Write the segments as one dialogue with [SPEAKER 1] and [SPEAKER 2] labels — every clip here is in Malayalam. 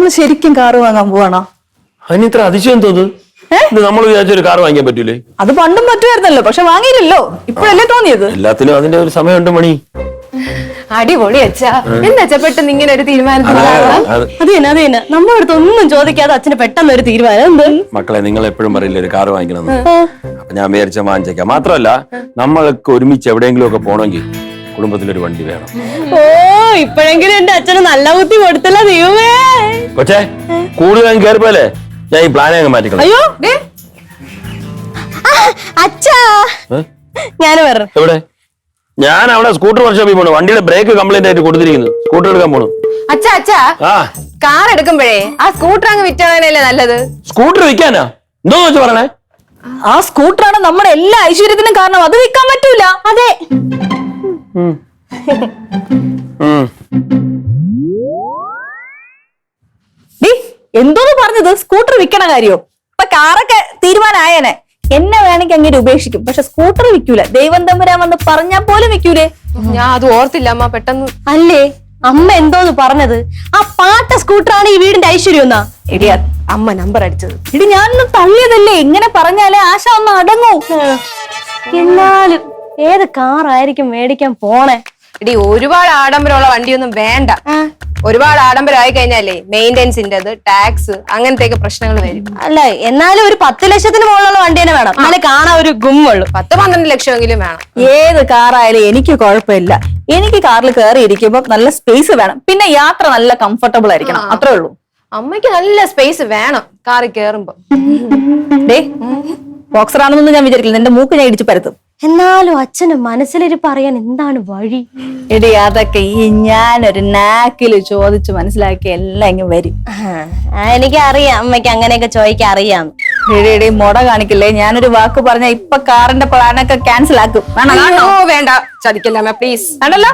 [SPEAKER 1] നമ്മൾ ശരിക്കും കാറ് വാങ്ങാൻ പോവാണോ?
[SPEAKER 2] അതിന് ഇത്ര അതിശയം തോന്നുന്നു. നമ്മൾ വിചാരിച്ചൊരു കാർ വാങ്ങിക്കാൻ പറ്റൂലേ?
[SPEAKER 1] അത് പണ്ടും പറ്റുമായിരുന്നല്ലോ, പക്ഷെ വാങ്ങിയില്ലല്ലോ. ഇപ്പോഴല്ലേ തോന്നിയത്?
[SPEAKER 2] എല്ലാത്തിനും അതിന്റെ ഒരു സമയമുണ്ട് മണി.
[SPEAKER 3] അടിപൊളി അച്ഛാ. എന്താ പെട്ടെന്ന് ഇങ്ങനെ ഒരു തീരുമാനത്തിൽ?
[SPEAKER 4] അത് തന്നെ നമ്മുടെ അടുത്ത് ഒന്നും ചോദിക്കാതെ അച്ഛന് പെട്ടെന്ന് ഒരു തീരുമാനം. എന്ത്
[SPEAKER 2] മക്കളെ, നിങ്ങൾ എപ്പോഴും പറയില്ലേ ഒരു കാർ വാങ്ങിക്കണം? അപ്പൊ ഞാൻ വിചാരിച്ച വാങ്ങിച്ചേക്കാം. മാത്രമല്ല, നമ്മൾക്ക് ഒരുമിച്ച് എവിടെയെങ്കിലും ഒക്കെ പോകണമെങ്കിൽ കുടുംബത്തിലൊരു വണ്ടി വേണം.
[SPEAKER 4] ഓ, ഇപ്പോഴെങ്കിലും എന്റെ അച്ഛന് നല്ല ബുദ്ധി കൊടുത്തല്ല ദൈവമേ.
[SPEAKER 2] കൊച്ചേ, കൂടുതൽ കയറിപ്പോലെ ഞാൻ ഈ പ്ലാനെ അങ്ങ് മാറ്റിക്കണം.
[SPEAKER 4] അയ്യോ അച്ഛാ, ഞാൻ പറഞ്ഞു
[SPEAKER 2] എവിടെ? ഞാൻ അവിടെ സ്കൂട്ടർ വർക്ക്ഷോപ്പിൽ പോണു. വണ്ടിയുടെ ബ്രേക്ക് കംപ്ലൈന്റ് ആയിട്ട് കൊടുത്തിരിക്കുന്നു. സ്കൂട്ടർ എടുക്കാൻ പോണു.
[SPEAKER 3] അച്ഛാ അച്ഛാ, കാർ എടുക്കുമ്പോഴേ ആ സ്കൂട്ടർ അങ്ങ് വിറ്റാണല്ലേ നല്ലത്.
[SPEAKER 2] സ്കൂട്ടർ വിൽക്കാനാ? എന്തോന്ന് വെച്ച് പറയണേ?
[SPEAKER 1] ആ സ്കൂട്ടറാണ് നമ്മുടെ എല്ലാ ഐശ്വര്യത്തിനും കാരണം. അത് വിൽക്കാൻ പറ്റൂല.
[SPEAKER 4] അതെ.
[SPEAKER 1] എന്തോന്ന് പറഞ്ഞത്? സ്കൂട്ടർ വിൽക്കണ കാര്യോ? ഇപ്പൊ കാറൊക്കെ തീരുമാനമായേനെ. എന്നെ വേണമെങ്കിൽ അങ്ങനെ ഉപേക്ഷിക്കും, പക്ഷെ സ്കൂട്ടർ വിൽക്കൂല. ദൈവം തമ്പുരാൻ വന്ന് പറഞ്ഞാൽ പോലും വിൽക്കൂലേ?
[SPEAKER 3] ഞാൻ അത് ഓർത്തില്ല അമ്മ, പെട്ടെന്ന്.
[SPEAKER 4] അല്ലേ അമ്മ എന്തോന്ന് പറഞ്ഞത്? ആ പാട്ട സ്കൂട്ടറാണ് ഈ വീടിന്റെ ഐശ്വര്യം എന്നാ.
[SPEAKER 1] എടി,
[SPEAKER 3] അമ്മ നമ്പർ അടിച്ചത്.
[SPEAKER 1] ഇടി, ഞാനൊന്നും തള്ളിയതല്ലേ. ഇങ്ങനെ പറഞ്ഞാലേ ആശ ഒന്ന് അടങ്ങൂ.
[SPEAKER 4] എന്നാലും ഏത് കാറായിരിക്കും മേടിക്കാൻ പോണേ?
[SPEAKER 3] എടി, ഒരുപാട് ആഡംബരമുള്ള വണ്ടിയൊന്നും വേണ്ട. ഒരുപാട് ആഡംബരമായി കഴിഞ്ഞാലേ മെയിൻ്റെനൻസിന്റെ ടാക്സ് അങ്ങനത്തെ പ്രശ്നങ്ങൾ വരും.
[SPEAKER 4] അല്ല, എന്നാലും ഒരു 10 ലക്ഷത്തിന് മുകളിലുള്ള വണ്ടി തന്നെ വേണം. അങ്ങനെ കാണാൻ ഒരു ഗുമ്മുള്ളൂ.
[SPEAKER 3] 10-12 ലക്ഷമെങ്കിലും വേണം.
[SPEAKER 1] ഏത് കാറായാലും എനിക്ക് കുഴപ്പമില്ല. എനിക്ക് കാറിൽ കയറി ഇരിക്കുമ്പോ നല്ല സ്പേസ് വേണം. പിന്നെ യാത്ര നല്ല കംഫർട്ടബിൾ ആയിരിക്കണം. അത്രേ ഉള്ളൂ.
[SPEAKER 3] അമ്മയ്ക്ക് നല്ല സ്പേസ് വേണം കാറിൽ കേറുമ്പോ.
[SPEAKER 1] ബോക്സർ ആണെന്നൊന്നും ഞാൻ വിചാരിക്കില്ല. എന്റെ മൂക്ക് ഞാൻ ഇടിച്ചു പരത്തും.
[SPEAKER 4] എന്നാലും അച്ഛന് മനസ്സിലിരിപ്പ് അറിയാൻ എന്താണ് വഴി?
[SPEAKER 1] എടി, അതൊക്കെ ഈ ഞാനൊരു നാക്കില് ചോദിച്ചു മനസ്സിലാക്കി എല്ലാം ഇങ്ങ് വരും.
[SPEAKER 4] എനിക്ക് അറിയാം, അമ്മയ്ക്ക് അങ്ങനെയൊക്കെ ചോദിക്കാൻ അറിയാം.
[SPEAKER 1] എടി, മുട കാണിക്കില്ലേ? ഞാനൊരു വാക്ക് പറഞ്ഞ ഇപ്പൊ കാറിന്റെ പ്ലാനൊക്കെ ക്യാൻസൽ ആക്കും.
[SPEAKER 3] വേണ്ട, ചതിക്കല്ല പ്ലീസ്.
[SPEAKER 1] ആണല്ലോ.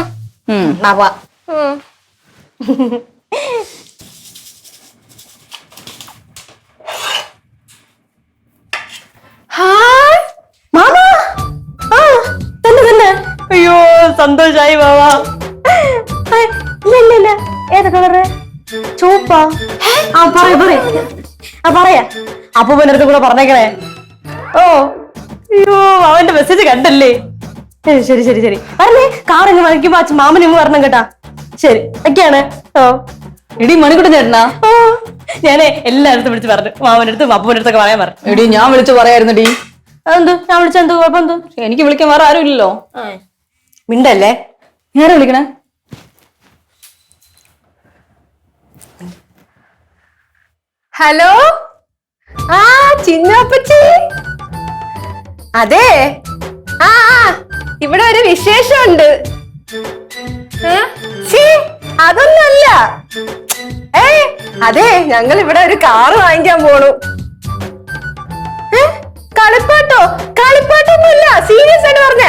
[SPEAKER 4] അയ്യോ, സന്തോഷായി ബാബാ. ഇല്ല, ഏതാ കളറ്? ചുവപ്പാ? പറയാ അപ്പൂപ്പനടുത്ത് കൂടെ പറഞ്ഞേക്കണേ. ഓ, അയ്യോ, അവന്റെ മെസ്സേജ് കണ്ടല്ലേ? ശരി പറഞ്ഞേ. കാറിങ് വാങ്ങിക്കുമ്പോ അച്ഛൻ മാമനും വരണം കേട്ടാ. ശരി, ഒക്കെയാണ്. ഓ,
[SPEAKER 1] എടി, മണിക്കൂട്ടൻ ചേട്ടനാ?
[SPEAKER 4] ഓ, ഞാനേ എല്ലായിടത്തും വിളിച്ച് പറഞ്ഞു. മാമനടുത്തും അപ്പൂപ്പനടുത്തൊക്കെ പറയാൻ പറഞ്ഞു.
[SPEAKER 1] എടി, ഞാൻ വിളിച്ചു പറയായിരുന്നെടി.
[SPEAKER 4] അതെന്തു? ഞാൻ വിളിച്ചെന്തു കുഴപ്പം? എന്തോ
[SPEAKER 1] എനിക്ക് വിളിക്കാൻ വേറെ ആരും ഇല്ലല്ലോ.
[SPEAKER 4] മിണ്ടല്ലേ.
[SPEAKER 1] ഞാനാ വിളിക്കണേ?
[SPEAKER 3] ഹലോ, ചിന്നപ്പച്ചി. അതെ, ഇവിടെ ഒരു വിശേഷമുണ്ട്. അതൊന്നല്ല. അതെ, ഞങ്ങൾ ഇവിടെ ഒരു കാറ് വാങ്ങിക്കാൻ പോണു. കളിപ്പാട്ടൊന്നുമില്ല, സീരിയസ് ആയിട്ട് പറഞ്ഞ.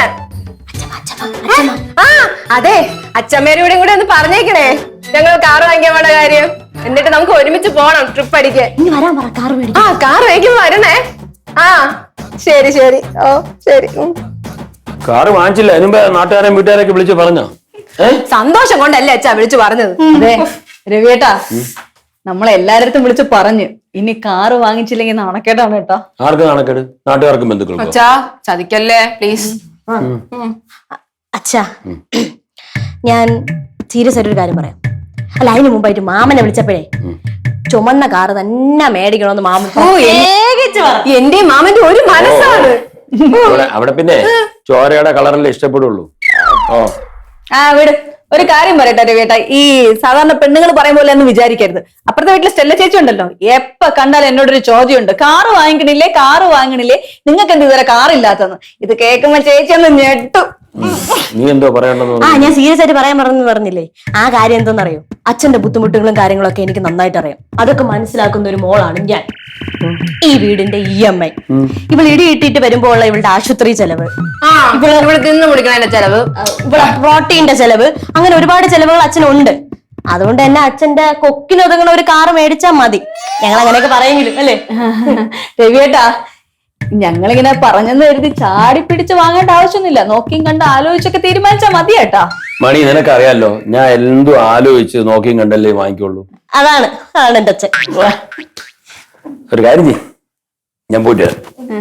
[SPEAKER 3] അതെ, അച്ഛമ്മേരും കൂടെ ഒന്ന് പറഞ്ഞേക്കണേ ഞങ്ങൾ കാറ് വാങ്ങിക്കാൻ പോണ കാര്യം. എന്നിട്ട് നമുക്ക് ഒരുമിച്ച് പോണം ട്രിപ്പ് അടിക്കാൻ. കാർ വാങ്ങിക്കുമ്പോ വരണേ. ശരി. ഓ, ശരി.
[SPEAKER 2] കാറ് വാങ്ങിച്ചില്ല, അതിനുമ്പോ നാട്ടുകാരെയും വീട്ടുകാരൊക്കെ വിളിച്ച് പറഞ്ഞോ?
[SPEAKER 3] സന്തോഷം കൊണ്ടല്ലേ അച്ഛാ വിളിച്ചു പറഞ്ഞത്.
[SPEAKER 1] അതെ രവിയേട്ടാ, നമ്മളെല്ലാരടുത്തും വിളിച്ച് പറഞ്ഞു. ഇനി കാറ് വാങ്ങിച്ചില്ലെങ്കിൽ നാണക്കേടാണ് കേട്ടോ.
[SPEAKER 2] ആർക്ക് നാണക്കേട്? നാട്ടുകാർക്കും ബന്ധുക്കൾക്കും.
[SPEAKER 3] അച്ഛാ, ചതിക്കല്ലേ പ്ലീസ്.
[SPEAKER 4] അച്ഛാ, ഞാൻ സീരിയസ് ആയിട്ടൊരു കാര്യം പറയാം. അല്ല, അതിന് മുമ്പായിട്ട് മാമനെ വിളിച്ചപ്പോഴേ ചുമന്ന കാറ് തന്നെ മേടിക്കണോന്ന് മാമൻ.
[SPEAKER 3] എന്റെ മാമന്റെ ഒരു മനസ്സാണ്.
[SPEAKER 2] അവിടെ പിന്നെ ചോരയുടെ കളറല്ലേ ഇഷ്ടപ്പെടുള്ളൂ.
[SPEAKER 1] വീട് ഒരു കാര്യം പറയട്ടെ രവിയേട്ടാ, ഈ സാധാരണ പെണ്ണുങ്ങൾ പറയും പോലെ ഒന്നും വിചാരിക്കരുത്. അപ്പുറത്തെ വീട്ടിലെ സ്റ്റെല്ല ചേച്ചി ഉണ്ടല്ലോ, എപ്പ കണ്ടാലും എന്നോടൊരു ചോദ്യമുണ്ട്, കാറ് വാങ്ങിക്കണില്ലേ, നിങ്ങൾക്ക് എന്ത് ഇതുവരെ കാറില്ലാത്തന്ന്. ഇത് കേൾക്കുമ്പോ ചേച്ചി ഒന്ന് ഞെട്ടു.
[SPEAKER 2] നീ എന്തോ പറയണ്ടെന്ന്?
[SPEAKER 4] ഞാൻ സീരിയസ് ആയിട്ട് പറയാൻ പറഞ്ഞില്ലേ. ആ കാര്യം എന്തോന്നറിയോ? അച്ഛന്റെ ബുദ്ധിമുട്ടുകളും കാര്യങ്ങളൊക്കെ എനിക്ക് നന്നായിട്ട് അറിയാം. അതൊക്കെ മനസ്സിലാക്കുന്ന ഒരു മോളാണ് ഞാൻ. ഈ വീടിന്റെ EMI, ഇവൾ ഇടിയിട്ടിട്ട് വരുമ്പോ ഉള്ള ഇവളുടെ ആശുപത്രി ചെലവ്,
[SPEAKER 3] ഇവിടെ തിന്നു കുടിക്കണ ചെലവ്,
[SPEAKER 4] ഇവിടെ പ്രോട്ടീന്റെ ചെലവ്, അങ്ങനെ ഒരുപാട് ചെലവുകൾ അച്ഛനുണ്ട്. അതുകൊണ്ട് തന്നെ അച്ഛന്റെ കൊക്കിനൊതുങ്ങുന്ന ഒരു കാറ് മേടിച്ചാൽ മതി. ഞങ്ങൾ അങ്ങനെയൊക്കെ പറയെങ്കിലും അല്ലേ
[SPEAKER 1] രവിയേട്ടാ? ഞങ്ങളിങ്ങനെ പറഞ്ഞെന്ന് കരുതി ചാടി പിടിച്ച് വാങ്ങേണ്ട ആവശ്യമൊന്നുമില്ല. നോക്കിയും കണ്ട് ആലോചിച്ചൊക്കെ തീരുമാനിച്ചാൽ മതി കേട്ടാ.
[SPEAKER 2] മണി, നിനക്കറിയാലോ ഞാൻ എന്തും ആലോചിച്ച് നോക്കിയും കണ്ടല്ലേ വാങ്ങിക്കുള്ളൂ.
[SPEAKER 4] അതാണ് എന്റെ അച്ഛൻ.
[SPEAKER 2] ഒരു കാര്യം ചെയ്യ്, ഞാൻ പോയിട്ട് വരാം.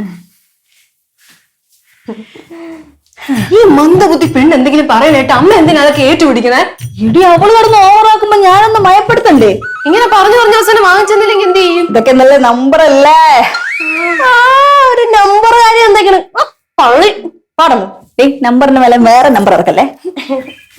[SPEAKER 3] ഈ മന്ദബുദ്ധി പെണ്ണ് എന്തെങ്കിലും പറയണേട്ട് അമ്മ എന്തിനാ അതൊക്കെ ഏറ്റുപിടിക്കണേ?
[SPEAKER 1] ഇടി അവള് പറഞ്ഞ് ഓവറാക്കുമ്പോ ഞാനൊന്ന് മയപ്പെടുത്തണ്ടേ?
[SPEAKER 3] ഇങ്ങനെ പറഞ്ഞു അവസാനം വാങ്ങിച്ചെന്നില്ലെങ്കിൽ എന്ത് ചെയ്യും?
[SPEAKER 1] ഇതൊക്കെ നല്ല നമ്പർ അല്ലേ?
[SPEAKER 4] ഒരു നമ്പർ കാര്യം എന്തെങ്കിലും പള്ളി പാടണം.
[SPEAKER 1] നമ്പറിന് മേലെ വേറെ നമ്പർ ഇറക്കല്ലേ?